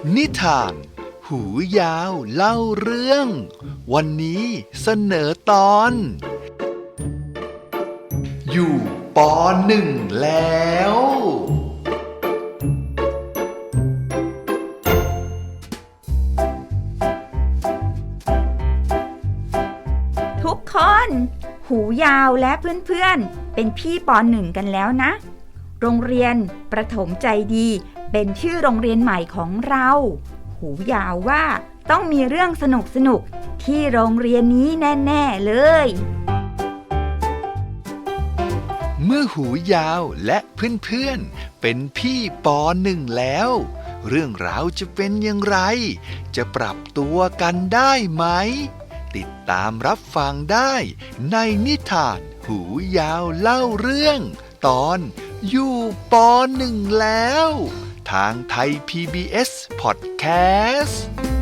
นิทานหูยาวเล่าเรื่องวันนี้เสนอตอนอยู่ป.1แล้วทุกคนหูยาวและเพื่อนๆเป็นพี่ป.1กันแล้วนะโรงเรียนประถมใจดีเป็นชื่อโรงเรียนใหม่ของเราหูยาวว่าต้องมีเรื่องสนุกๆที่โรงเรียนนี้แน่ๆเลยเมื่อหูยาวและเพื่อนๆเป็นพี่ป.1แล้วเรื่องราวจะเป็นอย่างไรจะปรับตัวกันได้ไหมติดตามรับฟังได้ในนิทานหูยาวเล่าเรื่องตอนอยู่ป.1แล้วทางไทย PBS Podcast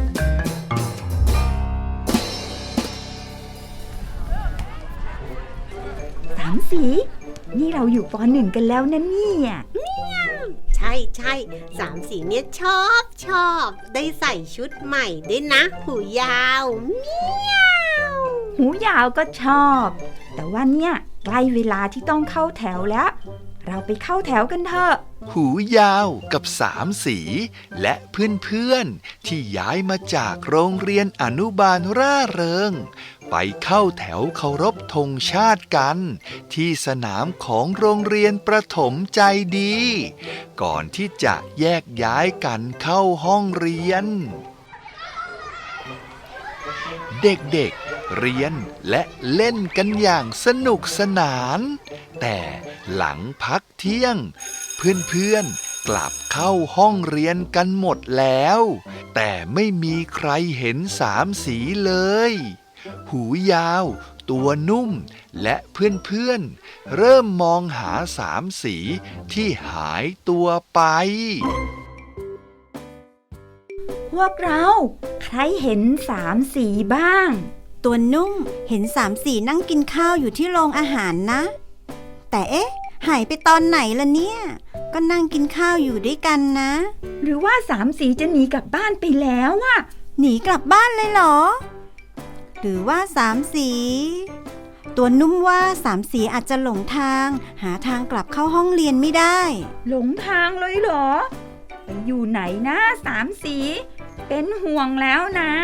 สามสีนี่เราอยู่ป.1กันแล้วนะเนี่ยใช่สามสีเนี่ยชอบได้ใส่ชุดใหม่ด้วยนะหูยาวเมียวหูยาวก็ชอบแต่ว่าเนี่ยใกล้เวลาที่ต้องเข้าแถวแล้วเราไปเข้าแถวกันเถอะหูยาวกับสามสีและเพื่อนๆที่ย้ายมาจากโรงเรียนอนุบาลร่าเริงไปเข้าแถวเคารพธงชาติกันที่สนามของโรงเรียนประถมใจดีก่อนที่จะแยกย้ายกันเข้าห้องเรียนเด็กๆเรียนและเล่นกันอย่างสนุกสนานแต่หลังพักเที่ยงเพื่อนๆกลับเข้าห้องเรียนกันหมดแล้วแต่ไม่มีใครเห็นสามสีเลยหูยาวตัวนุ่มและเพื่อนๆเริ่มมองหาสามสีที่หายตัวไปพวกเราใครเห็นสามสีบ้างตัวนุ่มเห็นสามสีนั่งกินข้าวอยู่ที่โรงอาหารนะแต่เอ๊ะหายไปตอนไหนล่ะเนี่ยก็นั่งกินข้าวอยู่ด้วยกันนะหรือว่าสามสีจะหนีกลับบ้านไปแล้วอะหนีกลับบ้านเลยเหรอหรือว่าสามสีตัวนุ่มว่าสามสีอาจจะหลงทางหาทางกลับเข้าห้องเรียนไม่ได้หลงทางเลยเหรอไปอยู่ไหนนะสามสีเป็นห่วงแล้วนะ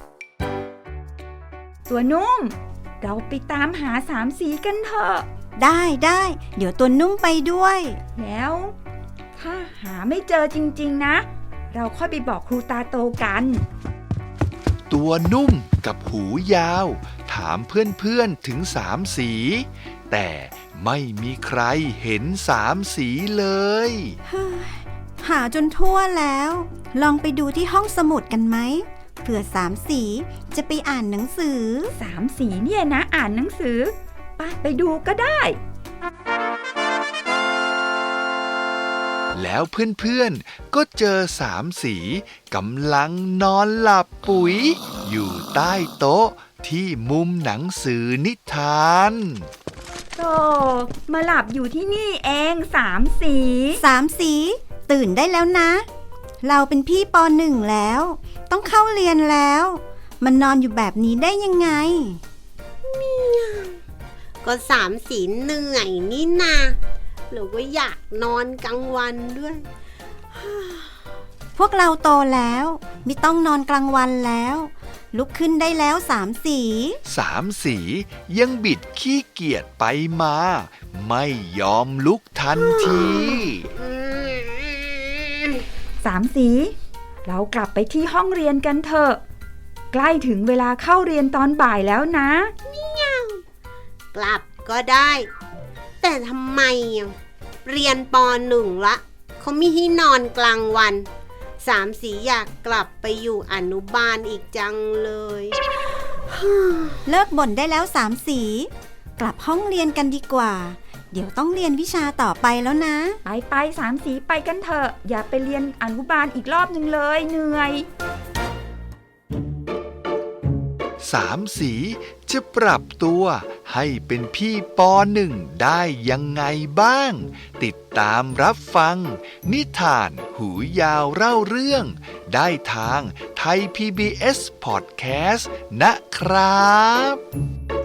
ตัวนุ่มเราไปตามหาสามสีกันเถอะได้เดี๋ยวตัวนุ่มไปด้วยแล้วถ้าหาไม่เจอจริงๆนะเราค่อยไปบอกครูตาโตกันตัวนุ่มกับหูยาวถามเพื่อนๆถึงสามสีแต่ไม่มีใครเห็นสามสีเลยหาจนทั่วแล้วลองไปดูที่ห้องสมุดกันไหมเผื่อสามสีจะไปอ่านหนังสือสามสีเนี่ยนะอ่านหนังสือไปดูก็ได้แล้วเพื่อนๆก็เจอสามสีกำลังนอนหลับปุ๋ยอยู่ใต้โต๊ะที่มุมหนังสือนิทานโธ่มาหลับอยู่ที่นี่เองสามสีตื่นได้แล้วนะเราเป็นพี่ป.1แล้วต้องเข้าเรียนแล้วมันนอนอยู่แบบนี้ได้ยังไงก็สามสีเหนื่อยนี่นาหรือว่าอยากนอนกลางวันด้วยพวกเราโตแล้วไม่ต้องนอนกลางวันแล้วลุกขึ้นได้แล้วสามสียังบิดขี้เกียจไปมาไม่ยอมลุกทันทีสามสีเรากลับไปที่ห้องเรียนกันเถอะใกล้ถึงเวลาเข้าเรียนตอนบ่ายแล้วนะกลับก็ได้แต่ทำไมเรียนป.1ละเขาไม่ให้นอนกลางวันสามสีอยากกลับไปอยู่อนุบาลอีกจังเลยเลิกบ่นได้แล้วสามสีกลับห้องเรียนกันดีกว่าเดี๋ยวต้องเรียนวิชาต่อไปแล้วนะไปสามสีไปกันเถอะอย่าไปเรียนอนุบาลอีกรอบนึงเลยเหนื่อยสามสีจะปรับตัวให้เป็นพี่ปหนึ่งได้ยังไงบ้าง ติดตามรับฟังนิทานหูยาวเล่าเรื่องได้ทางไทย PBS Podcast นะครับ